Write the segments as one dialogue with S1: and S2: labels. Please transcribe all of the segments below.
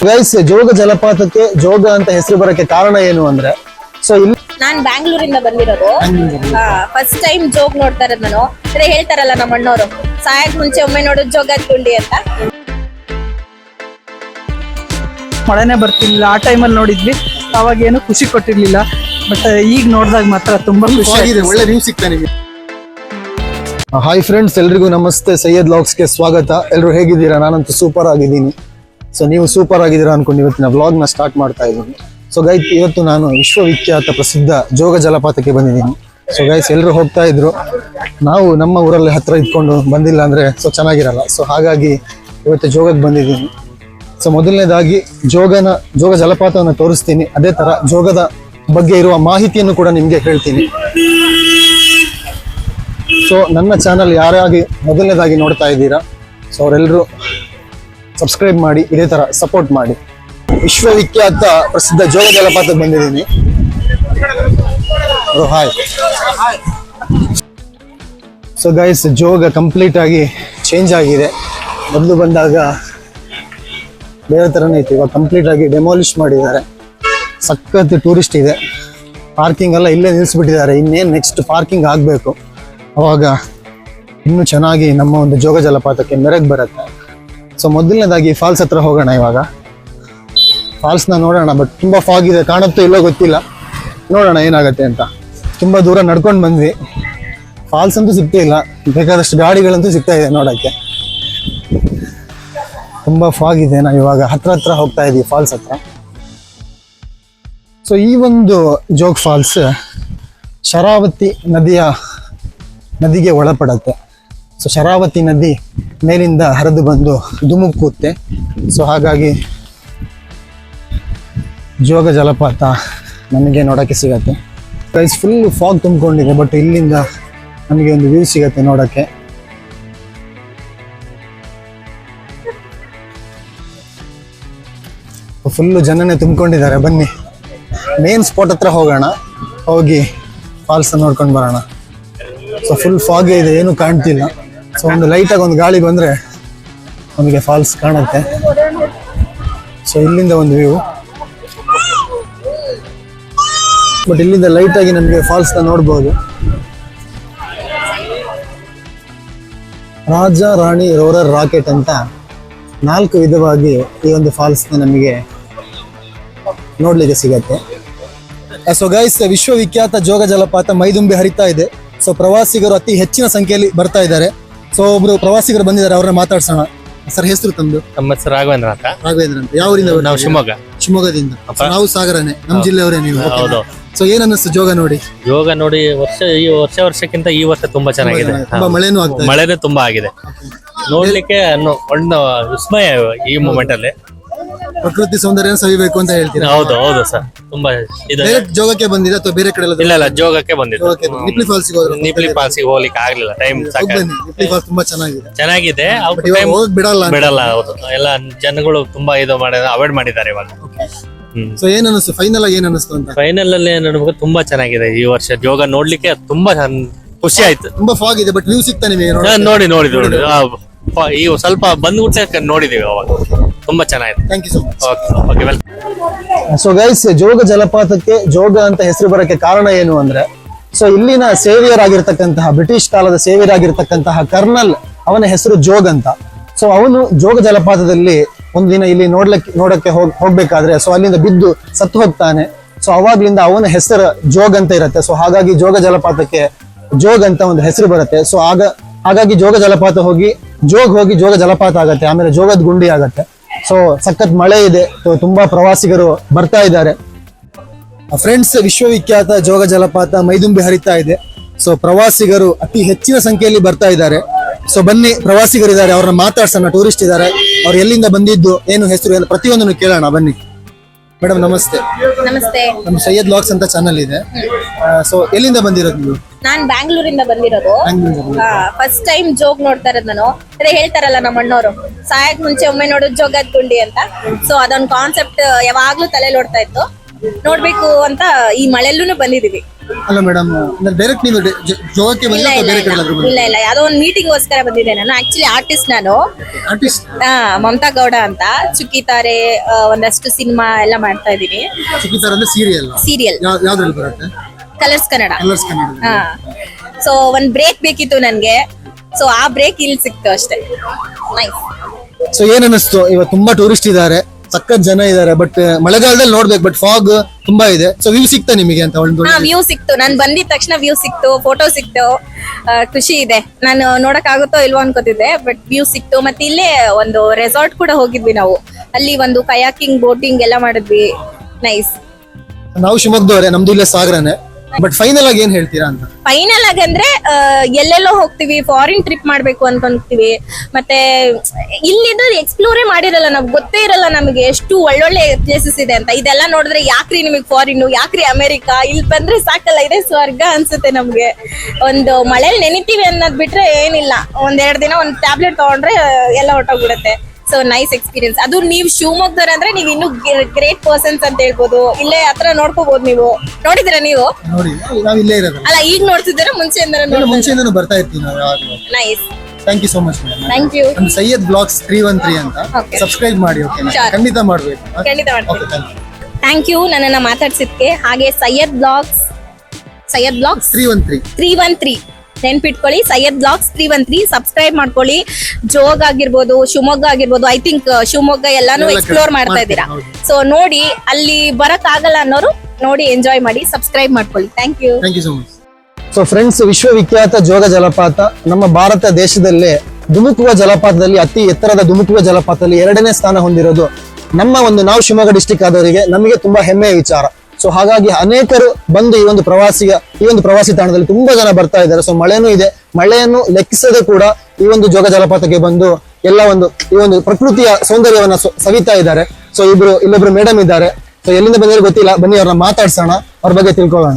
S1: Guys, Jog ಜಲಪಾತಕ್ಕೆ ಜೋಗ ಅಂತ ಹೆಸರು ಬರಕ್ಕೆ ಕಾರಣ ಏನು ಅಂದ್ರೆ, ಸೊ ಇಲ್ಲಿ
S2: ನಾನ್ ಬ್ಯಾಂಗ್ಳೂರಿಂದ ಬಂದಿರೋದು. ಫಸ್ಟ್ ಟೈಮ್ ಜೋಗ್ ನೋಡ್ತಾ ಇರೋದು ನಾನು. ಅದೇ ಹೇಳ್ತಾರಲ್ಲ ನಮ್ಮ ಅಣ್ಣವರು, ಸಾಯಕ್ ಮುಂಚೆ ಒಮ್ಮೆ ನೋಡೋದು ಜೋಗದ ಗುಂಡಿ ಅಂತ.
S3: ಮಳೆನೇ ಬರ್ತಿರ್ಲಿಲ್ಲ ಆ ಟೈಮಲ್ಲಿ ನೋಡಿದ್ವಿ, ಅವಾಗ ಏನು ಖುಷಿ ಕೊಟ್ಟಿರ್ಲಿಲ್ಲ. ಬಟ್ ಈಗ ನೋಡಿದಾಗ ಮಾತ್ರ ತುಂಬಾ ಖುಷಿ ಆಗಿದೆ.
S1: ಒಳ್ಳೆ ವ್ಯೂ ಸಿಗ್ತಾ ನಿಮಗೆ. ಹಾಯ್ ಫ್ರೆಂಡ್ಸ್, ಎಲ್ರಿಗೂ ನಮಸ್ತೆ. ಸೈಯದ್ ವ್ಲಾಗ್ಸ್ಗೆ ಸ್ವಾಗತ. ಎಲ್ಲರೂ ಹೇಗಿದ್ದೀರಾ? ನಾನಂತೂ ಸೂಪರ್ ಆಗಿದ್ದೀನಿ. ಸೊ ನೀವು ಸೂಪರ್ ಆಗಿದ್ದೀರಾ ಅನ್ಕೊಂಡು ಇವತ್ತಿನ ವ್ಲಾಗ್ನ ಸ್ಟಾರ್ಟ್ ಮಾಡ್ತಾ ಇದ್ದೀನಿ. ಸೊ ಗೈಸ್, ಇವತ್ತು ನಾನು ವಿಶ್ವವಿಖ್ಯಾತ ಪ್ರಸಿದ್ಧ ಜೋಗ ಜಲಪಾತಕ್ಕೆ ಬಂದಿದ್ದೀನಿ. ಸೊ ಗೈಸ್, ಎಲ್ಲರೂ ಹೋಗ್ತಾ ಇದ್ರು, ನಾವು ನಮ್ಮ ಊರಲ್ಲಿ ಹತ್ರ ಇದ್ಕೊಂಡು ಬಂದಿಲ್ಲ ಅಂದ್ರೆ ಸೊ ಚೆನ್ನಾಗಿರಲ್ಲ. ಸೊ ಹಾಗಾಗಿ ಇವತ್ತು ಜೋಗಕ್ಕೆ ಬಂದಿದ್ದೀನಿ. ಸೊ ಮೊದಲನೇದಾಗಿ ಜೋಗ ಜಲಪಾತವನ್ನು ತೋರಿಸ್ತೀನಿ. ಅದೇ ತರ ಜೋಗದ ಬಗ್ಗೆ ಇರುವ ಮಾಹಿತಿಯನ್ನು ಕೂಡ ನಿಮ್ಗೆ ಹೇಳ್ತೀನಿ. ಸೊ ನನ್ನ ಚಾನಲ್ ಯಾರಾಗಿ ಮೊದಲನೇದಾಗಿ ನೋಡ್ತಾ ಇದ್ದೀರಾ, ಸೊ ಅವರೆಲ್ಲರೂ ಸಬ್ಸ್ಕ್ರೈಬ್ ಮಾಡಿ, ಇದೇ ತರ ಸಪೋರ್ಟ್ ಮಾಡಿ. ವಿಶ್ವವಿಖ್ಯಾತ ಪ್ರಸಿದ್ಧ ಜೋಗ ಜಲಪಾತಕ್ಕೆ ಬಂದಿದ್ದೀನಿ. Hi. So guys, Jog complete ಆಗಿ ಚೇಂಜ್ ಆಗಿದೆ. ಮೊದಲು ಬಂದಾಗ ಬೇರೆ ಥರನೇ ಇತ್ತು, ಇವಾಗ ಕಂಪ್ಲೀಟ್ ಆಗಿ ಡೆಮಾಲಿಷ್ ಮಾಡಿದ್ದಾರೆ. ಸಖತ್ ಟೂರಿಸ್ಟ್ ಇದೆ. ಪಾರ್ಕಿಂಗ್ ಎಲ್ಲ ಇಲ್ಲೇ ನಿಲ್ಲಿಸ್ಬಿಟ್ಟಿದ್ದಾರೆ. ಇನ್ನೇನು ನೆಕ್ಸ್ಟ್ ಪಾರ್ಕಿಂಗ್ ಆಗಬೇಕು, ಅವಾಗ ಇನ್ನೂ ಚೆನ್ನಾಗಿ ನಮ್ಮ ಒಂದು ಜೋಗ ಜಲಪಾತಕ್ಕೆ ಮೆರಗು ಬರುತ್ತೆ. ಸೊ ಮೊದಲನೇದಾಗಿ ಫಾಲ್ಸ್ ಹತ್ರ ಹೋಗೋಣ. ಇವಾಗ ಫಾಲ್ಸ್ನ ನೋಡೋಣ. ಬಟ್ ತುಂಬ ಫಾಗ್ ಇದೆ, ಕಾಣುತ್ತೋ ಇಲ್ಲೋ ಗೊತ್ತಿಲ್ಲ. ನೋಡೋಣ ಏನಾಗುತ್ತೆ ಅಂತ. ತುಂಬ ದೂರ ನಡ್ಕೊಂಡು ಬಂದ್ವಿ. ಫಾಲ್ಸ್ ಅಂತೂ ಸಿಗ್ತಾ ಇಲ್ಲ, ಬೇಕಾದಷ್ಟು ಗಾಡಿಗಳಂತೂ ಸಿಗ್ತಾ ಇದೆ ನೋಡೋಕ್ಕೆ. ತುಂಬ ಫಾಗ್ ಇದೆ. ನಾವು ಇವಾಗ ಹತ್ರ ಹೋಗ್ತಾ ಇದ್ದೀವಿ ಫಾಲ್ಸ್ ಹತ್ರ. ಸೊ ಈ ಒಂದು ಜೋಗ್ ಫಾಲ್ಸ್ ಶರಾವತಿ ನದಿಗೆ ಒಳಪಡುತ್ತೆ. ಸೊ ಶರಾವತಿ ನದಿ ಮೇಲಿಂದ ಹರಿದು ಬಂದು ಧುಮುಕುತ್ತೆ. ಸೊ ಹಾಗಾಗಿ ಜೋಗ ಜಲಪಾತ ನಮಗೆ ನೋಡೋಕ್ಕೆ ಸಿಗತ್ತೆ. ಗೈಸ್, ಫುಲ್ ಫಾಗ್ ತುಂಬಿಕೊಂಡಿದೆ, ಬಟ್ ಇಲ್ಲಿಂದ ನಮಗೆ ಒಂದು ವ್ಯೂ ಸಿಗತ್ತೆ ನೋಡೋಕ್ಕೆ. ಫುಲ್ಲು ಜನನೇ ತುಂಬಿಕೊಂಡಿದ್ದಾರೆ. ಬನ್ನಿ ಮೇನ್ ಸ್ಪಾಟ್ ಹತ್ರ ಹೋಗೋಣ, ಹೋಗಿ ಫಾಲ್ಸ್ ನೋಡ್ಕೊಂಡು ಬರೋಣ. ಸೊ ಫುಲ್ ಫಾಗೇ ಇದೆ, ಏನು ಕಾಣ್ತಿಲ್ಲ. ಸೊ ಒಂದು ಲೈಟಾಗಿ ಒಂದು ಗಾಳಿ ಬಂದರೆ ನಮಗೆ ಫಾಲ್ಸ್ ಕಾಣುತ್ತೆ. ಸೊ ಇಲ್ಲಿಂದ ಒಂದು ವ್ಯೂ, ಬಟ್ ಇಲ್ಲಿಂದ ಲೈಟಾಗಿ ನಮಗೆ ಫಾಲ್ಸ್ನ ನೋಡ್ಬೋದು. ರಾಜ ರಾಣಿ ರೋರರ್ ರಾಕೆಟ್ ಅಂತ 4 ವಿಧವಾಗಿ ಈ ಒಂದು ಫಾಲ್ಸ್ನ ನಮಗೆ ನೋಡ್ಲಿಕ್ಕೆ ಸಿಗತ್ತೆ. ಸೊ ಗೈಸ್, ವಿಶ್ವವಿಖ್ಯಾತ ಜೋಗ ಜಲಪಾತ ಮೈದುಂಬಿ ಹರಿತಾ ಇದೆ. ಸೊ ಪ್ರವಾಸಿಗರು ಅತಿ ಹೆಚ್ಚಿನ ಸಂಖ್ಯೆಯಲ್ಲಿ ಬರ್ತಾ ಇದ್ದಾರೆ. ಸೊ ಒಬ್ರು ಪ್ರವಾಸಿಗರು ಬಂದಿದ್ದಾರೆ, ಅವ್ರನ್ನ ಮಾತಾಡ್ಸೋಣ. ಸರ್, ಹೆಸರು ತಮ್ಮದು?
S4: ನಮ್ಮ ಹೆಸರು ರಾಘವೇಂದ್ರ ಅಂತ.
S1: ರಾಘವೇಂದ್ರ ಅಂತ. ಯಾವ ಊರಿಂದ?
S4: ನಾವು
S1: ಶಿವಮೊಗ್ಗದಿಂದ. ನಾವು ಸಾಗರನೇ, ನಮ್ಮ ಜಿಲ್ಲೆಯವರೇ ನೀವು?
S4: ಹೌದು.
S1: ಸೊ ಏನ್ ಅನ್ನಿಸ್ತು ಜೋಗ ನೋಡಿ?
S4: ಯೋಗ ನೋಡಿ ವರ್ಷಕ್ಕಿಂತ ಈ ವರ್ಷ ತುಂಬಾ ಚೆನ್ನಾಗಿದೆ.
S1: ತುಂಬಾ ಮಳೆನೂ ಆಗ್ತದೆ.
S4: ಮಳೆನೇ ತುಂಬಾ ಆಗಿದೆ. ನೋಡ್ಲಿಕ್ಕೆ ಒಂದು ವಿಸ್ಮಯ ಈ ಮೂಮೆಂಟ್ ಅಲ್ಲಿ.
S1: ಪ್ರಕೃತಿ ಸೌಂದರ್ಯ ಸವಿಬೇಕು ಅಂತ ಹೇಳ್ತೀರಾ?
S4: ಹೌದು ಸರ್, ತುಂಬಾ ಇದು.
S1: ಜೋಗಕ್ಕೆ ಬಂದಿದೆ ಅಥವಾ ಬೇರೆ ಕಡೆ?
S4: ಇಲ್ಲ, ಜೋಗಕ್ಕೆ ಬಂದಿದ್ದು.
S1: ನಿಪ್ಲಿ ಫಾಲ್ಸ್ಗೆ ಹೋದ್ರು?
S4: ನಿಪ್ಲಿ ಫಾಲ್ಸ್ಗೆ ಹೋಗ್ಲಿಕ್ಕೆ ಆಗ್ಲಿಲ್ಲ, ಟೈಮ್
S1: ನಿಪ್ಲಿ ಫಾಲ್ಸ್ ತುಂಬಾ ಚೆನ್ನಾಗಿದೆ.
S4: ಬಿಡಲ್ಲ. ಹೌದು, ಎಲ್ಲ ಜನಗಳು ತುಂಬಾ ಇದು ಅವಾಯ್ಡ್ ಮಾಡಿದ್ದಾರೆ ಇವಾಗ.
S1: ಸೊ ಏನ್ ಅನಿಸ್ತು ಫೈನಲ್ ಆಗಿ? ಏನ್ ಅನಿಸ್ತು ಅಂತ?
S4: ಫೈನಲ್ ಅಲ್ಲಿ ನಮಗೆ ತುಂಬಾ ಚೆನ್ನಾಗಿದೆ ಈ ವರ್ಷ. ಜೋಗ ನೋಡ್ಲಿಕ್ಕೆ ತುಂಬಾ ಖುಷಿ ಆಯ್ತು.
S1: ತುಂಬಾ ಫಾಗ್ ಇದೆ, ಬಟ್ ವ್ಯೂ ಸಿಗ್ತಾ ನಿಮಗೆ?
S4: ನೋಡಿ ಈ ಸ್ವಲ್ಪ ಬಂದ್ಬಿಟ್ಟೆ ನೋಡಿದೀವಿ ಅವಾಗ. ತುಂಬಾ ಚೆನ್ನಾಗಿದೆ.
S1: Thank you so much.
S4: Okay, welcome.
S1: So guys, Jog ಜಲಪಾತಕ್ಕೆ ಜೋಗ ಅಂತ ಹೆಸರು ಬರಕ್ಕೆ ಕಾರಣ ಏನು ಅಂದ್ರೆ, ಸೊ ಇಲ್ಲಿನ ಸೇವಿಯರ್ ಆಗಿರ್ತಕ್ಕಂತಹ, ಬ್ರಿಟಿಷ್ ಕಾಲದ ಸೇವಿಯರ್ ಆಗಿರ್ತಕ್ಕಂತಹ ಕರ್ನಲ್, ಅವನ ಹೆಸರು ಜೋಗ್ ಅಂತ. ಸೊ ಅವನು ಜೋಗ ಜಲಪಾತದಲ್ಲಿ ಒಂದು ದಿನ ಇಲ್ಲಿ ನೋಡಕ್ಕೆ ಹೋಗ್ಬೇಕಾದ್ರೆ ಸೊ ಅಲ್ಲಿಂದ ಬಿದ್ದು ಸತ್ತು ಹೋಗ್ತಾನೆ. ಸೊ ಅವಾಗ್ಲಿಂದ ಅವನ ಹೆಸರು ಜೋಗ್ ಅಂತ ಇರುತ್ತೆ. ಸೊ ಹಾಗಾಗಿ ಜೋಗ ಜಲಪಾತಕ್ಕೆ ಜೋಗ್ ಅಂತ ಒಂದು ಹೆಸರು ಬರುತ್ತೆ. ಸೊ ಹಾಗಾಗಿ ಜೋಗ ಜಲಪಾತ ಹೋಗಿ ಜೋಗ ಜಲಪಾತ ಆಗತ್ತೆ, ಆಮೇಲೆ ಜೋಗದ ಗುಂಡಿ ಆಗತ್ತೆ. ಸೊ ಸಖತ್ ಮಳೆ ಇದೆ, ತುಂಬಾ ಪ್ರವಾಸಿಗರು ಬರ್ತಾ ಇದ್ದಾರೆ. ಫ್ರೆಂಡ್ಸ್, ವಿಶ್ವವಿಖ್ಯಾತ ಜೋಗ ಜಲಪಾತ ಮೈದುಂಬಿ ಹರಿತಾ ಇದೆ. ಸೊ ಪ್ರವಾಸಿಗರು ಅತಿ ಹೆಚ್ಚಿನ ಸಂಖ್ಯೆಯಲ್ಲಿ ಬರ್ತಾ ಇದ್ದಾರೆ. ಸೊ ಬನ್ನಿ, ಪ್ರವಾಸಿಗರಿದ್ದಾರೆ, ಅವ್ರನ್ನ ಮಾತಾಡ್ಸೋಣ. ಟೂರಿಸ್ಟ್ ಇದ್ದಾರೆ, ಅವ್ರು ಎಲ್ಲಿಂದ ಬಂದಿದ್ದು, ಏನು ಹೆಸರು, ಎಲ್ಲ ಪ್ರತಿಯೊಂದನ್ನು ಕೇಳೋಣ. ಬನ್ನಿ ಮೇಡಮ್, ನಮಸ್ತೆ.
S2: ನಮಸ್ತೆ.
S1: ನಮ್ಮ ಸೈಯದ್ ವ್ಲಾಗ್ಸ್ ಅಂತ ಚಾನಲ್ ಇದೆ. ಸೊ ಎಲ್ಲಿಂದ ಬಂದಿರೋದು ನೀವು?
S2: ನಾನ್ ಬ್ಯಾಂಗ್ಳೂರಿಂದ ಬಂದಿರೋದು. ಫಸ್ಟ್ ಟೈಮ್ ಜೋಗ್ ನೋಡ್ತಾ ಇರೋದು ನಾನು. ಅದೇ ಹೇಳ್ತಾರಲ್ಲ ನಮ್ಮ ಅಣ್ಣವರು, ಸಾಯಕ್ ಮುಂಚೆ ಒಮ್ಮೆ ನೋಡೋದು ಜೋಗದ ಗುಂಡಿ ಅಂತ. ಸೊ ಅದೊಂದು ಕಾನ್ಸೆಪ್ಟ್ ಯಾವಾಗ್ಲೂ ತಲೆ ಓಡ್ತಾ ಇತ್ತು, ನೋಡ್ಬೇಕು ಅಂತ ಈ ಮಳೆಲ್ಲೂ ಬಂದಿದೀವಿ.
S1: ಅಲ್ಲ ಮೇಡಮ್, ಡೈರೆಕ್ಟ್ ನೀವು ಜೋಗಕ್ಕೆ
S2: ಇಲ್ಲ
S1: ಬಂದಿಲ್ಲ
S2: ಇಲ್ಲ
S1: ಬೇರೆ ಕಡೆ
S2: ಇಲ್ಲ ಇಲ್ಲ ಇಲ್ಲ ಯಾವ್ದೋ ಒಂದು ಮೀಟಿಂಗ್ಗೋಸ್ಕರ ಬಂದಿದ್ದೆ ನಾನು. ಆಕ್ಚುಲಿ ಆರ್ಟಿಸ್ಟ್ ನಾನು.
S1: ಆರ್ಟಿಸ್ಟ್
S2: ಮಮತಾ ಗೌಡ ಅಂತ ಚುಕ್ಕಿತಾರೆ, ಒಂದಷ್ಟು ಸಿನಿಮಾ ಎಲ್ಲ ಮಾಡ್ತಾ ಇದೀನಿ.
S1: ಸಿಕ್ಕಿದ್ದಾರೆ ಅಂದ್ರೆ ಸೀರಿಯಲ್
S2: ಸೀರಿಯಲ್
S1: ಯಾವ್ದ್ರಲ್ಲಿ ಬರುತ್ತೆ?
S2: ಕಲರ್ಸ್ ಕನ್ನಡ.
S1: ಕಲರ್ಸ್ ಕನ್ನಡ.
S2: ಹಾ, ಸೊ ಒಂದ್ ಬ್ರೇಕ್ ಬೇಕಿತ್ತು ನನ್ಗೆ. ಸೊ ಆ ಬ್ರೇಕ್ ಇಲ್ಲಿ ಸಿಕ್ತು ಅಷ್ಟೇ. ನೈಸ್.
S1: ಸೊ ಏನ್ ಅನಿಸ್ತು? ಇವತ್ತು ತುಂಬಾ ಟೂರಿಸ್ಟ್ ಇದ್ದಾರೆ, ಸಖತ್ ಜನ ಇದ್ದಾರೆ, ಬಟ್ ಮಳೆಗಾಲದಲ್ಲಿ ನೋಡ್ಬೇಕು, ಬಟ್ ಫಾಗ್ ತುಂಬಾ ಇದೆ. ಸೊ ವ್ಯೂ ಸಿಗ್ತಾ ನಿಮಗೆ ಅಂತ ಒಂದು?
S2: ಹಾ, ವ್ಯೂ ಸಿಕ್ತು. ನಾನ್ ಬಂದಿದ ತಕ್ಷಣ ವ್ಯೂ ಸಿಕ್ತು, ಫೋಟೋ ಸಿಕ್ತು, ಖುಷಿ ಇದೆ. ನಾನು ನೋಡಕ್ ಆಗುತ್ತೋ ಇಲ್ವೋ ಅನ್ಕೋತಿದ್ದೆ, ಬಟ್ ವ್ಯೂ ಸಿಕ್ತು. ಮತ್ತೆ ಇಲ್ಲೇ ಒಂದು ರೆಸಾರ್ಟ್ ಕೂಡ ಹೋಗಿದ್ವಿ ನಾವು. ಅಲ್ಲಿ ಒಂದು ಕಯಾಕಿಂಗ್, ಬೋಟಿಂಗ್ ಎಲ್ಲ ಮಾಡಿದ್ವಿ. ನೈಸ್.
S1: ನಾವು ಶಿವಮೊಗ್ಗದವರೇ, ನಮ್ದು ಇಲ್ಲೇ ಸಾಗರನೇ. ಬಟ್ ಫೈನಲ್ ಆಗಿ ಏನ್ ಹೇಳ್ತೀರಾ ಅಂತ?
S2: ಫೈನಲ್ ಆಗಿ ಅಂದ್ರೆ ಎಲ್ಲೆಲ್ಲೋ ಹೋಗ್ತಿವಿ, ಫಾರಿನ್ ಟ್ರಿಪ್ ಮಾಡ್ಬೇಕು ಅನ್ಕೊಂತೀವಿ. ಮತ್ತೆ ಇಲ್ಲಿದ್ದು ಎಕ್ಸ್ಪ್ಲೋರೇ ಮಾಡಿರಲ್ಲ, ನಾವು ಗೊತ್ತೇ ಇರಲ್ಲ ನಮಗೆ ಎಷ್ಟು ಒಳ್ಳೊಳ್ಳೆ ಪ್ಲೇಸಸ್ ಇದೆ ಅಂತ. ಇದೆಲ್ಲ ನೋಡಿದ್ರೆ ಯಾಕ್ರಿ ನಿಮಗೆ ಫಾರಿನ್, ಯಾಕ್ರಿ ಅಮೆರಿಕಾ, ಇಲ್ಲಿ ಬಂದ್ರೆ ಸಾಕಲ್ಲ, ಇದೇ ಸ್ವರ್ಗ ಅನ್ಸುತ್ತೆ ನಮ್ಗೆ. ಒಂದು ಮಳೆಯಲ್ಲಿ ನೆನಿತೀವಿ ಅನ್ನೋದ್ ಬಿಟ್ರೆ ಏನಿಲ್ಲ. 1-2 ದಿನ ಒಂದು ಟ್ಯಾಬ್ಲೆಟ್ ತಗೊಂಡ್ರೆ ಎಲ್ಲ ಹೊಟ್ಟೋಗ್ಬಿಡುತ್ತೆ. So nice experience. ಅದು ನೀವು ಶಿವಮೊಗ್ಗದವ್ರ ಅಂದ್ರೆ ನೀವು ಇನ್ನು ಗ್ರೇಟ್ ಪರ್ಸನ್ಸ್ ಅಂತ ಹೇಳ್ಬೋದು. ಇಲ್ಲೇ ಹತ್ರ ನೋಡ್ಕೋಬಹುದು. ನೀವು ನೋಡಿದಿರಾ? ನೀವು
S1: ನೋಡಿ, ನಾವು ಇಲ್ಲೇ ಇರೋದು.
S2: ಅಲ್ಲ, ಈಗ ನೋಡ್ತಿದ್ದೀರಾ ಮುಂಚೆಯಿಂದ?
S1: ಮುಂಚೆಯಿಂದನೂ ಬರ್ತಾ ಇರ್ತೀವಿ ನಾವು ಯಾವಾಗಲೂ.
S2: Nice.
S1: Thank you so much madam.
S2: Thank you.
S1: ನಮ್ಮ ಸೈಯದ್ ಬ್ಲಾಗ್ಸ್ 313 ಅಂತ
S2: Okay.
S1: ಸಬ್ಸ್ಕ್ರೈಬ್ ಮಾಡಿ. Okay,
S2: Sure.
S1: ಖಂಡಿತ ಮಾಡ್ಬೇಕು.
S2: ಖಂಡಿತ ಮಾಡ್ತೀನಿ.
S1: Okay, thank you.
S2: Thank you ನನ್ನನ್ನ ಮಾತಾಡ್ಸಿದ್ಕೆ. ಹಾಗೆ ಸೈಯದ್ ಬ್ಲಾಗ್ಸ್ 313 ನೆನ್ಪಿಟ್ಕೊಳ್ಳಿ. ಸೈಯದ್ ಬ್ಲಾಗ್ಸ್ 313 ಸಬ್ಸ್ಕ್ರೈಬ್ ಮಾಡ್ಕೊಳ್ಳಿ. ಜೋಗ್ ಆಗಿರ್ಬೋದು, ಶಿವಮೊಗ್ಗ ಆಗಿರ್ಬೋದು. ಐ ಥಿಂಕ್ ಶಿವಮೊಗ್ಗ ಎಲ್ಲಾನು
S1: ಎಲ್ಲ
S2: ಎಕ್ಸ್ಪ್ಲೋರ್ ಮಾಡ್ತಾ ಇದ್ದೀರಾ.
S1: ಹೌದು.
S2: ಸೊ ನೋಡಿ, ಅಲ್ಲಿ ಬರಕ್ ಆಗಲ್ಲ ಅನ್ನೋರು ನೋಡಿ ಎಂಜಾಯ್ ಮಾಡಿ, ಸಬ್ಸ್ಕ್ರೈಬ್ ಮಾಡ್ಕೊಳ್ಳಿ. Thank you.
S1: Thank you so much. So friends, ವಿಶ್ವವಿಖ್ಯಾತ ಜೋಗ ಜಲಪಾತ ನಮ್ಮ ಭಾರತ ದೇಶದಲ್ಲೇ ಧುಮುಕುವ ಜಲಪಾತದಲ್ಲಿ, ಅತಿ ಎತ್ತರದ ಧುಮುಕುವ ಜಲಪಾತದಲ್ಲಿ 2ನೇ ಸ್ಥಾನ ಹೊಂದಿರೋದು ನಮ್ಮ ನಾವು ಶಿವಮೊಗ್ಗ ಡಿಸ್ಟಿಕ್ ಆದವರಿಗೆ ನಮಗೆ ತುಂಬಾ ಹೆಮ್ಮೆಯ ವಿಚಾರ. ಸೊ ಹಾಗಾಗಿ ಅನೇಕರು ಬಂದು ಈ ಒಂದು ಪ್ರವಾಸಿ ತಾಣದಲ್ಲಿ ತುಂಬಾ ಜನ ಬರ್ತಾ ಇದ್ದಾರೆ. ಸೊ ಮಳೆನೂ ಇದೆ, ಮಳೆಯನ್ನು ಲೆಕ್ಕಿಸದೆ ಕೂಡ ಈ ಒಂದು ಜೋಗ ಜಲಪಾತಕ್ಕೆ ಬಂದು ಎಲ್ಲ ಈ ಒಂದು ಪ್ರಕೃತಿಯ ಸೌಂದರ್ಯವನ್ನ ಸವಿತಾ ಇದ್ದಾರೆ. ಸೊ ಇಲ್ಲೊಬ್ರು ಮೇಡಮ್ ಇದ್ದಾರೆ. ಸೊ ಎಲ್ಲಿಂದ ಬಂದಿರೋ ಗೊತ್ತಿಲ್ಲ, ಬನ್ನಿ ಅವ್ರನ್ನ ಮಾತಾಡ್ಸೋಣ, ಅವ್ರ ಬಗ್ಗೆ ತಿಳ್ಕೊಳ್ಳೋಣ.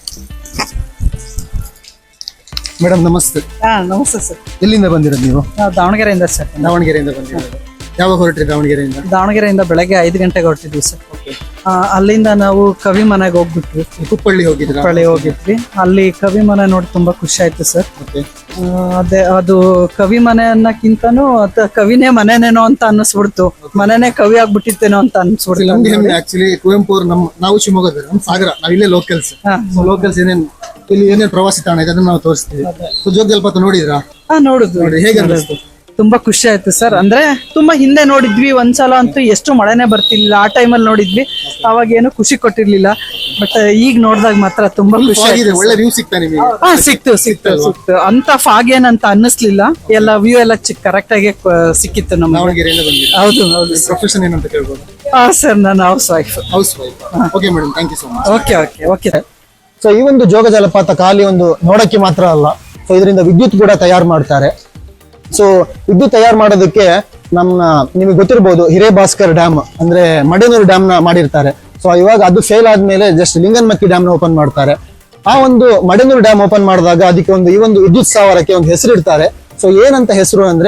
S1: ಮೇಡಮ್ ನಮಸ್ತೆ.
S3: ನಮಸ್ತೆ ಸರ್.
S1: ಎಲ್ಲಿಂದ ಬಂದಿರೋದು ನೀವು?
S3: ನಾವು ದಾವಣಗೆರೆಯಿಂದ ಸರ್.
S1: ದಾವಣಗೆರೆಯಿಂದ ಬಂದಿರೋದು. ಯಾವಾಗ ಹೊರಟ್ರಿ ದಾವಣಗೆರೆಯಿಂದ?
S3: ದಾವಣಗೆರೆಯಿಂದ ಬೆಳಗ್ಗೆ 5 ಗಂಟೆಗೆ ಹೊರಟಿದ್ವಿ ಸರ್. ಅಲ್ಲಿಂದ ನಾವು ಕವಿ ಮನೆಗೆ ಹೋಗ್ಬಿಟ್ವಿ.
S1: ಕುಪ್ಪಳ್ಳಿ ಹೋಗಿದ್ರ?
S3: ಕುಪ್ಪಳ್ಳಿ ಹೋಗಿದ್ವಿ. ಅಲ್ಲಿ ಕವಿ ಮನೆ ನೋಡಿ ತುಂಬಾ ಖುಷಿ ಆಯ್ತು ಸರ್. ಅದೇ ಅದು ಕವಿ ಮನೆ ಅನ್ನಕ್ಕಿಂತನೂ ಕವಿನೇ ಮನೆನೇನೋ ಅಂತ ಅನ್ನಿಸ್ಬಿಡ್ತು. ಮನೆನೇ ಕವಿ ಆಗ್ಬಿಟ್ಟಿತ್ತೇನೋ ಅಂತ ಅನ್ಸ್ಬಿಡ್ತು.
S1: ನಮ್ಗೆ ಹೆಮ್ಮೆ. ಆಕ್ಚುಲಿ ಕುವೆಂಪು ಅವ್ರು ನಾವು ಶಿವಮೊಗ್ಗದ, ನಮ್ಮ ಸಾಗರ, ನಾವ್ ಇಲ್ಲೇ ಲೋಕಲ್ಸ್. ಇಲ್ಲಿ ಏನೇನ್ ಪ್ರವಾಸಿ ತಾಣ ಇದೆ ಅದನ್ನ ನಾವು ತೋರಿಸ್ತೀವಿ. ಜೋಗ ಜಲಪಾತ ನೋಡಿದ್ರಾ?
S3: ನೋಡಿದ್ವಿ.
S1: ನೋಡಿ, ಹೇಗೆ ಅನಿಸ್ತು?
S3: ತುಂಬಾ ಖುಷಿ ಆಯ್ತು ಸರ್. ಅಂದ್ರೆ ತುಂಬಾ ಹಿಂದೆ ನೋಡಿದ್ವಿ ಒಂದ್ಸಲ, ಅಂತೂ ಎಷ್ಟು ಮಳೆನೇ ಬರ್ತಿರ್ಲಿಲ್ಲ. ಆ ಟೈಮಲ್ಲಿ ನೋಡಿದ್ವಿ, ಅವಾಗ ಏನು ಖುಷಿ ಕೊಟ್ಟಿರ್ಲಿಲ್ಲ. ಬಟ್ ಈಗ ನೋಡಿದಾಗ ಮಾತ್ರ ತುಂಬಾ ಖುಷಿ ಆಗಿದೆ.
S1: ಒಳ್ಳೆ ವ್ಯೂ ಸಿಗ್ತಾ ನಿಮಗೆ?
S3: ಸಿಕ್ತು. ಅಂತ ಫಾಗ್ ಏನಂತ ಅನ್ನಿಸ್ಲಿಲ್ಲ. ಎಲ್ಲ ವ್ಯೂ ಎಲ್ಲ ಕರೆಕ್ಟ್ ಆಗಿ ಸಿಕ್ಕಿತ್ತು ನಮ್ಗೆ.
S1: ದಾವಣಗೆರೆಯಿಂದ ಬಂದಿದ್ದೀರಾ?
S3: ಹೌದು.
S1: ಪ್ರೊಫೆಷನ್ ಏನಂತ ಕೇಳ್ಬೋದು?
S3: ಸರ್, ನಾನು housewife.
S1: Okay madam, thank you so much.
S3: Okay.
S1: So ಈ ಒಂದು ಜೋಗ ಜಲಪಾತ ಖಾಲಿ ಒಂದು ನೋಡಕ್ಕೆ ಮಾತ್ರ ಅಲ್ಲ, ಸೊ ಇದರಿಂದ ವಿದ್ಯುತ್ ಕೂಡ ತಯಾರು ಮಾಡ್ತಾರೆ. ಸೊ ವಿದ್ಯುತ್ ತಯಾರು ಮಾಡೋದಕ್ಕೆ ನಿಮಗೆ ಗೊತ್ತಿರಬಹುದು, ಹಿರೇಭಾಸ್ಕರ್ ಡ್ಯಾಮ್ ಅಂದ್ರೆ ಮಡೇನೂರು ಡ್ಯಾಮ್ ನ ಮಾಡಿರ್ತಾರೆ. ಸೊ ಇವಾಗ ಅದು ಫೇಲ್ ಆದ್ಮೇಲೆ ಜಸ್ಟ್ ಲಿಂಗನಮಕ್ಕಿ ಡ್ಯಾಮ್ ನ ಓಪನ್ ಮಾಡ್ತಾರೆ. ಆ ಒಂದು ಮಡೇನೂರು ಡ್ಯಾಮ್ ಓಪನ್ ಮಾಡಿದಾಗ ಅದಕ್ಕೆ ಈ ಒಂದು ವಿದ್ಯುತ್ ಸ್ಥಾವರಕ್ಕೆ ಒಂದು ಹೆಸರು ಇಡ್ತಾರೆ. ಸೊ ಏನಂತ ಹೆಸರು ಅಂದ್ರೆ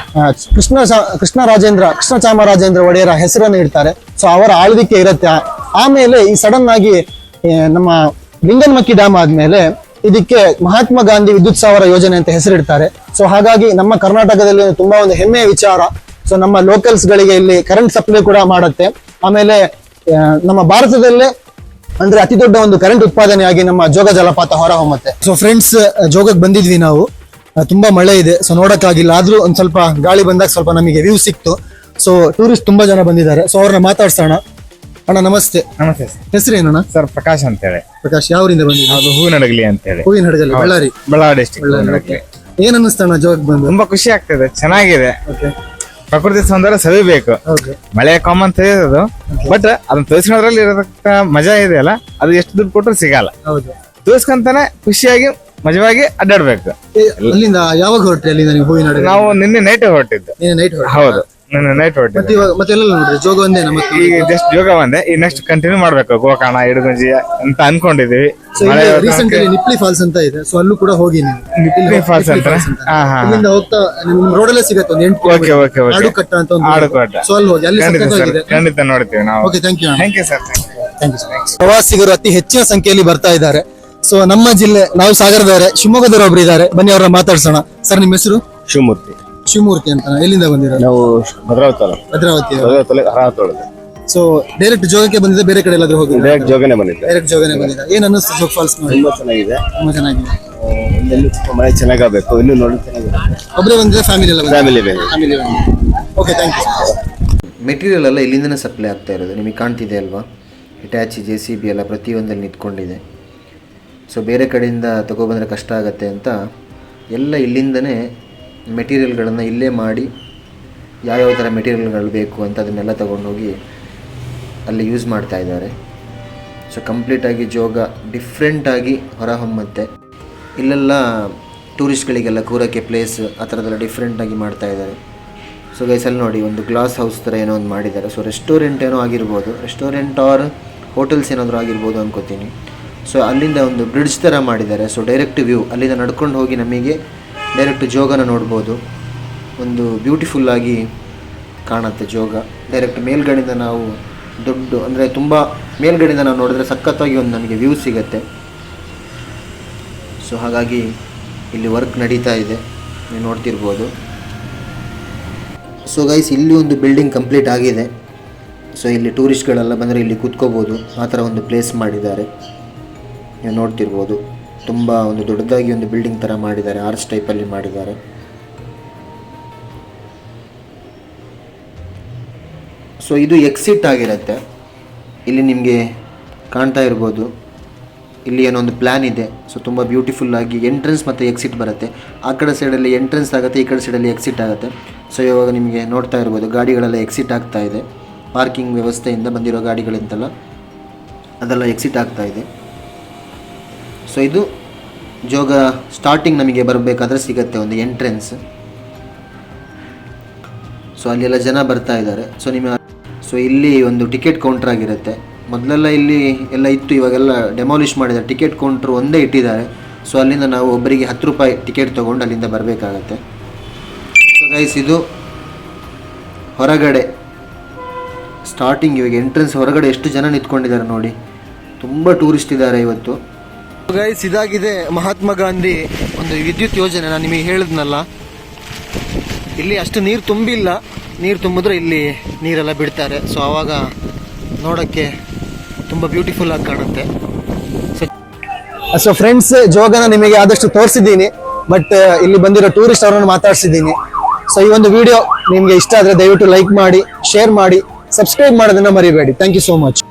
S1: ಕೃಷ್ಣ ಚಾಮರಾಜೇಂದ್ರ ಒಡೆಯರ ಹೆಸರನ್ನು ಇಡ್ತಾರೆ. ಸೊ ಅವರ ಆಳ್ವಿಕೆ ಇರುತ್ತೆ. ಆಮೇಲೆ ಈ ಸಡನ್ ಆಗಿ ನಮ್ಮ ಲಿಂಗನಮಕ್ಕಿ ಡ್ಯಾಮ್ ಆದ್ಮೇಲೆ ಇದಕ್ಕೆ ಮಹಾತ್ಮ ಗಾಂಧಿ ವಿದ್ಯುತ್ ಸ್ಥಾವರ ಯೋಜನೆ ಅಂತ ಹೆಸರಿಡ್ತಾರೆ. ಸೊ ಹಾಗಾಗಿ ನಮ್ಮ ಕರ್ನಾಟಕದಲ್ಲಿ ತುಂಬಾ ಒಂದು ಹೆಮ್ಮೆಯ ವಿಚಾರ. ಸೊ ನಮ್ಮ ಲೋಕಲ್ಸ್ ಗಳಿಗೆ ಇಲ್ಲಿ ಕರೆಂಟ್ ಸಪ್ಲೈ ಕೂಡ ಮಾಡುತ್ತೆ. ಆಮೇಲೆ ನಮ್ಮ ಭಾರತದಲ್ಲೇ ಅಂದ್ರೆ ಅತಿ ದೊಡ್ಡ ಒಂದು ಕರೆಂಟ್ ಉತ್ಪಾದನೆಯಾಗಿ ನಮ್ಮ ಜೋಗ ಜಲಪಾತ ಹೊರ ಹೊಮ್ಮತ್ತೆ. ಸೊ ಫ್ರೆಂಡ್ಸ್, ಜೋಗಕ್ಕೆ ಬಂದಿದ್ವಿ ನಾವು. ತುಂಬಾ ಮಳೆ ಇದೆ, ಸೊ ನೋಡಕ್ಕಾಗಿಲ್ಲ. ಆದ್ರೂ ಒಂದ್ ಸ್ವಲ್ಪ ಗಾಳಿ ಬಂದಾಗ ಸ್ವಲ್ಪ ನಮಗೆ ವ್ಯೂ ಸಿಕ್ತು. ಸೊ ಟೂರಿಸ್ಟ್ ತುಂಬಾ ಜನ ಬಂದಿದ್ದಾರೆ. ಸೊ ಅವ್ರನ್ನ ಮಾತಾಡ್ಸೋಣ. ಅಣ್ಣ ನಮಸ್ತೆ.
S5: ನಮಸ್ತೆ ಸರ್.
S1: ಹೆಸರೇನಣ್ಣ?
S5: ಸರ್ ಪ್ರಕಾಶ್ ಅಂತ ಹೇಳಿ.
S1: ಪ್ರಕಾಶ್, ಯಾವರಿಂದ ಬಂದಿದ್ದೀರಾ?
S5: ಅದು ಹೂವಿನಡಗಲಿ ಅಂತ ಹೇಳಿ.
S1: ಹೂವಿನಡಗಲಿ,
S5: ಬಳ್ಳಾರಿ ಡಿಸ್ಟ್ರಿಕ್ಟ್.
S1: ಏನ್ ಅನ್ನಿಸ್ತಣ್ಣ ಜೋಗ್ ಬಂದು?
S5: ತುಂಬಾ ಖುಷಿ ಆಗ್ತದೆ, ಚೆನ್ನಾಗಿದೆ.
S1: ಓಕೆ.
S5: ಪ್ರಕೃತಿ ಸೌಂದರ್ಯ ಸವಿಬೇಕು.
S1: ಹೌದು.
S5: ಮಳೆ ಕಾಮನ್ ತಿಳಿಯೋದು, ಬಟ್ ಅದನ್ನ ತೋರಿಸ್ಕೊಳ್ಳೋದ್ರಲ್ಲಿ ಇರತಕ್ಕ ಮಜಾ ಇದೆಯಲ್ಲ, ಅದು ಎಷ್ಟು ದುಡ್ಡು ಕೊಟ್ಟರು ಸಿಗಲ್ಲ.
S1: ಹೌದು.
S5: ತೋರಿಸ್ಕೊಂತಾನೆ ಖುಷಿಯಾಗಿ ಮಜವಾಗಿ ಅಡ್ಡಾಡ್ಬೇಕು.
S1: ಅಲ್ಲಿಂದ ಯಾವಾಗ ಹೊರಟ್ರಿ? ಅಲ್ಲಿಂದ ನೀವು ಹೂವಿನಡಗಲಿ?
S5: ನಾವು ನಿನ್ನೆ ನೈಟ್ ಹೊರಟಿದ್ದು.
S1: ನೈಟ್?
S5: ಹೌದು, ನಿನ್ನೆ ನೈಟ್ ಹೊರಟಿದ್ದು.
S1: ಮತ್ತೆ ಎಲ್ಲ ನೋಡ್ರಿ ಜೋಗ ಒಂದೇ?
S5: ಈಗ ಜಸ್ಟ್ ಯೋಗ ಒಂದೇ. ಈ ನೆಕ್ಸ್ಟ್ ಕಂಟಿನ್ಯೂ ಮಾಡ್ಬೇಕು. ಗೋಕರ್ಣ, ಇಡಗುಂಜಿ ಅಂತ ಅನ್ಕೊಂಡಿದೀವಿ.
S1: ರೀಸೆಂಟ್ಲಿ ನಿಪ್ಲಿ ಫಾಲ್ಸ್ ಅಂತ ಇದೆ, ಸೊ ಅಲ್ಲೂ ಕೂಡ ಹೋಗಿ ನೀವು.
S5: ನಿಪ್ಲಿ ಫಾಲ್ಸ್ ಅಂತ
S1: ಇಲ್ಲಿಂದ ಹೋಗ್ತಾ ನಿಮ್ ರೋಡಲ್ಲೇ ಸಿಗತ್ತೆ ಒಂದು 8
S5: ಓಕೆ.
S1: ಆಡುಕಟ್ಟ ಅಂತ ಒಂದು.
S5: ಆಡುಕಟ್ಟ.
S1: ಸೊ ಅಲ್ಲಿ ಹೋಗಿ, ಅಲ್ಲಿ ಸಖತ್ತಾಗಿದೆ.
S5: ಖಂಡಿತ ನೋಡ್ತೀವಿ ನಾವು.
S1: Okay, thank you.
S5: Thank you sir.
S1: ಪ್ರವಾಸಿಗರು ಅತಿ ಹೆಚ್ಚಿನ ಸಂಖ್ಯೆಯಲ್ಲಿ ಬರ್ತಾ ಇದ್ದಾರೆ. ಸೊ ನಮ್ಮ ಜಿಲ್ಲೆ, ನಾವು ಸಾಗರದವರೇ, ಶಿವಮೊಗ್ಗದವರು ಒಬ್ರು ಇದ್ದಾರೆ, ಬನ್ನಿ ಅವ್ರನ್ನ ಮಾತಾಡ್ಸೋಣ. ಸರ್ ನಿಮ್ಮ ಹೆಸರು?
S5: ಶಿವಮೂರ್ತಿ.
S1: ಶಿವಮೂರ್ತಿ ಅಂತ. ಎಲ್ಲಿಂದ ಬಂದಿರೋದು?
S5: ನಾವು ಭದ್ರಾವತಿ
S1: ಭದ್ರಾವತಿ.
S5: ಹರಾವತಿ.
S1: ಸೊ ಡೈರೆಕ್ಟ್ ಜೋಗಕ್ಕೆ ಬಂದಿದೆ, ಬೇರೆ ಕಡೆ ಎಲ್ಲಾದ್ರೂ ಹೋಗಿ?
S5: ಡೈರೆಕ್ಟ್ ಜೋಗನೆ ಬಂದಿದ್ದೆ.
S1: ಡೈರೆಕ್ಟ್ ಜೋಗನೆ ಬಂದಿದೆ. ಏನ್ ಅನ್ನಿಸ್ತು ಜೋಗ್ ಫಾಲ್ಸ್ ನೋಡಿ?
S5: ತುಂಬಾ ಚೆನ್ನಾಗಿದೆ.
S1: ತುಂಬಾ ಚೆನ್ನಾಗಿದೆ.
S5: ಇಲ್ಲೆಲ್ಲೂ ಸ್ವಲ್ಪ ಮಳೆ ಚೆನ್ನಾಗಬೇಕು, ಇನ್ನು ನೋಡಿ ಚೆನ್ನಾಗಿದೆ.
S1: ಒಬ್ಬರೇ ಬಂದಿದೆ? ಫ್ಯಾಮಿಲಿ ಎಲ್ಲ
S5: ಫ್ಯಾಮಿಲಿ ಬೇರೆ.
S1: Family okay, thank you.
S6: Material ಎಲ್ಲ ಇಲ್ಲಿಂದನೇ ಸಪ್ಲೈ ಆಗ್ತಾ ಇರೋದು. ನಿಮಗೆ ಕಾಣ್ತಿದೆ ಅಲ್ವಾ, ಹಿಟಾಚಿ JCB ಎಲ್ಲ ಪ್ರತಿಯೊಂದಲ್ಲಿ ನಿಂತ್ಕೊಂಡಿದೆ. ಸೊ ಬೇರೆ ಕಡೆಯಿಂದ ತಗೊಬಂದರೆ ಕಷ್ಟ ಆಗುತ್ತೆ ಅಂತ ಎಲ್ಲ ಇಲ್ಲಿಂದನೇ ಮೆಟೀರಿಯಲ್ಗಳನ್ನು ಇಲ್ಲೇ ಮಾಡಿ ಯಾವ್ಯಾವ ಥರ ಮೆಟೀರಿಯಲ್ಗಳು ಬೇಕು ಅಂತ ಅದನ್ನೆಲ್ಲ ತೊಗೊಂಡೋಗಿ ಅಲ್ಲಿ ಯೂಸ್ ಮಾಡ್ತಾ ಇದ್ದಾರೆ. ಸೊ ಕಂಪ್ಲೀಟಾಗಿ ಜೋಗ ಡಿಫ್ರೆಂಟಾಗಿ ಹೊರಹೊಮ್ಮುತ್ತೆ. ಇಲ್ಲೆಲ್ಲ ಟೂರಿಸ್ಟ್ಗಳಿಗೆಲ್ಲ ಕೂರೋಕ್ಕೆ ಪ್ಲೇಸ್ ಆ ಥರದ್ದೆಲ್ಲ ಡಿಫ್ರೆಂಟಾಗಿ ಮಾಡ್ತಾ ಇದ್ದಾರೆ. ಸೊ ಗೈಸಲ್ಲಿ ನೋಡಿ, ಒಂದು ಗ್ಲಾಸ್ ಹೌಸ್ ಥರ ಏನೋ ಒಂದು ಮಾಡಿದ್ದಾರೆ. ಸೊ ರೆಸ್ಟೋರೆಂಟ್ ಏನೋ ಆಗಿರ್ಬೋದು, ರೆಸ್ಟೋರೆಂಟ್ ಆರ್ ಹೋಟೆಲ್ಸ್ ಏನಾದರೂ ಆಗಿರ್ಬೋದು ಅನ್ಕೋತೀನಿ. ಸೊ ಅಲ್ಲಿಂದ ಒಂದು ಬ್ರಿಡ್ಜ್ ಥರ ಮಾಡಿದ್ದಾರೆ. ಸೊ ಡೈರೆಕ್ಟ್ ವ್ಯೂ, ಅಲ್ಲಿಂದ ನಡ್ಕೊಂಡು ಹೋಗಿ ನಮಗೆ ಡೈರೆಕ್ಟ್ ಜೋಗನ ನೋಡ್ಬೋದು. ಒಂದು ಬ್ಯೂಟಿಫುಲ್ಲಾಗಿ ಕಾಣುತ್ತೆ ಜೋಗ. ಡೈರೆಕ್ಟ್ ಮೇಲ್ಗಡೆಯಿಂದ ನಾವು ದೊಡ್ಡ ಅಂದರೆ ತುಂಬ ಮೇಲ್ಗಡೆಯಿಂದ ನಾವು ನೋಡಿದ್ರೆ ಸಖತ್ತಾಗಿ ಒಂದು ನಮಗೆ ವ್ಯೂ ಸಿಗುತ್ತೆ. ಸೊ ಹಾಗಾಗಿ ಇಲ್ಲಿ ವರ್ಕ್ ನಡೀತಾ ಇದೆ, ನೀವು ನೋಡ್ತಿರ್ಬೋದು. ಸೊ ಗೈಸ್, ಇಲ್ಲಿ ಒಂದು ಬಿಲ್ಡಿಂಗ್ ಕಂಪ್ಲೀಟ್ ಆಗಿದೆ. ಸೊ ಇಲ್ಲಿ ಟೂರಿಸ್ಟ್ಗಳೆಲ್ಲ ಬಂದರೆ ಇಲ್ಲಿ ಕೂತ್ಕೋಬೋದು, ಆ ಥರ ಒಂದು ಪ್ಲೇಸ್ ಮಾಡಿದ್ದಾರೆ, ನೀವು ನೋಡ್ತಿರ್ಬೋದು. ತುಂಬ ಒಂದು ದೊಡ್ಡದಾಗಿ ಒಂದು ಬಿಲ್ಡಿಂಗ್ ಥರ ಮಾಡಿದ್ದಾರೆ, ಆರ್ಚ್ ಟೈಪಲ್ಲಿ ಮಾಡಿದ್ದಾರೆ. ಸೊ ಇದು ಎಕ್ಸಿಟ್ ಆಗಿರುತ್ತೆ. ಇಲ್ಲಿ ನಿಮಗೆ ಕಾಣ್ತಾ ಇರ್ಬೋದು, ಇಲ್ಲಿ ಏನೋ ಒಂದು ಪ್ಲ್ಯಾನ್ ಇದೆ. ಸೊ ತುಂಬ ಬ್ಯೂಟಿಫುಲ್ಲಾಗಿ ಎಂಟ್ರೆನ್ಸ್ ಮತ್ತು ಎಕ್ಸಿಟ್ ಬರುತ್ತೆ. ಆ ಕಡೆ ಸೈಡಲ್ಲಿ ಎಂಟ್ರೆನ್ಸ್ ಆಗುತ್ತೆ, ಈ ಕಡೆ ಸೈಡಲ್ಲಿ ಎಕ್ಸಿಟ್ ಆಗುತ್ತೆ. ಸೊ ಇವಾಗ ನಿಮಗೆ ನೋಡ್ತಾ ಇರ್ಬೋದು, ಗಾಡಿಗಳೆಲ್ಲ ಎಕ್ಸಿಟ್ ಆಗ್ತಾ ಇದೆ. ಪಾರ್ಕಿಂಗ್ ವ್ಯವಸ್ಥೆಯಿಂದ ಬಂದಿರೋ ಗಾಡಿಗಳಿಂದಲ್ಲ ಅದೆಲ್ಲ ಎಕ್ಸಿಟ್ ಆಗ್ತಾ ಇದೆ. ಸೊ ಇದು ಜೋಗ ಸ್ಟಾರ್ಟಿಂಗ್ ನಮಗೆ ಬರಬೇಕಾದ್ರೆ ಸಿಗುತ್ತೆ ಒಂದು ಎಂಟ್ರೆನ್ಸ್. ಸೊ ಅಲ್ಲೆಲ್ಲ ಜನ ಬರ್ತಾ ಇದ್ದಾರೆ. ಸೊ ಇಲ್ಲಿ ಒಂದು ಟಿಕೆಟ್ ಕೌಂಟರ್ ಆಗಿರುತ್ತೆ. ಮೊದಲೆಲ್ಲ ಇಲ್ಲಿ ಎಲ್ಲ ಇತ್ತು, ಇವಾಗೆಲ್ಲ ಡೆಮಾಲಿಷ್ ಮಾಡಿದ್ದಾರೆ. ಟಿಕೆಟ್ ಕೌಂಟ್ರ್ ಒಂದೇ ಇಟ್ಟಿದ್ದಾರೆ. ಸೊ ಅಲ್ಲಿಂದ ನಾವು ಒಬ್ಬರಿಗೆ 10 ರೂಪಾಯಿ ಟಿಕೆಟ್ ತೊಗೊಂಡು ಅಲ್ಲಿಂದ ಬರಬೇಕಾಗತ್ತೆ. ಸೊ ಗೈಸ್, ಇದು ಹೊರಗಡೆ ಸ್ಟಾರ್ಟಿಂಗ್. ಇವಾಗ ಎಂಟ್ರೆನ್ಸ್ ಹೊರಗಡೆ ಎಷ್ಟು ಜನ ನಿಂತ್ಕೊಂಡಿದ್ದಾರೆ ನೋಡಿ, ತುಂಬ ಟೂರಿಸ್ಟ್ ಇದ್ದಾರೆ ಇವತ್ತು.
S1: ಗೈಸ್, ಇದಾಗಿದೆ ಮಹಾತ್ಮ ಗಾಂಧಿ ಒಂದು ವಿದ್ಯುತ್ ಯೋಜನೆ. ನಾನು ನಿಮಗೆ ಹೇಳಿದ್ನಲ್ಲ, ಇಲ್ಲಿ ಅಷ್ಟು ನೀರು ತುಂಬಿಲ್ಲ. ನೀರು ತುಂಬಿದ್ರೆ ಇಲ್ಲಿ ನೀರೆಲ್ಲ ಬಿಡ್ತಾರೆ. ಸೊ ಆವಾಗ ನೋಡೋಕ್ಕೆ ತುಂಬ ಬ್ಯೂಟಿಫುಲ್ ಆಗಿ ಕಾಣುತ್ತೆ. ಸೊ ಫ್ರೆಂಡ್ಸ್, ಜೋಗನ ನಿಮಗೆ ಆದಷ್ಟು ತೋರಿಸಿದ್ದೀನಿ, ಬಟ್ ಇಲ್ಲಿ ಬಂದಿರೋ ಟೂರಿಸ್ಟ್ ಅವರನ್ನು ಮಾತಾಡ್ಸಿದ್ದೀನಿ. ಸೊ ಈ ಒಂದು ವಿಡಿಯೋ ನಿಮಗೆ ಇಷ್ಟ ಆದರೆ ದಯವಿಟ್ಟು ಲೈಕ್ ಮಾಡಿ, ಶೇರ್ ಮಾಡಿ, ಸಬ್ಸ್ಕ್ರೈಬ್ ಮಾಡೋದನ್ನ ಮರಿಬೇಡಿ. Thank you so much.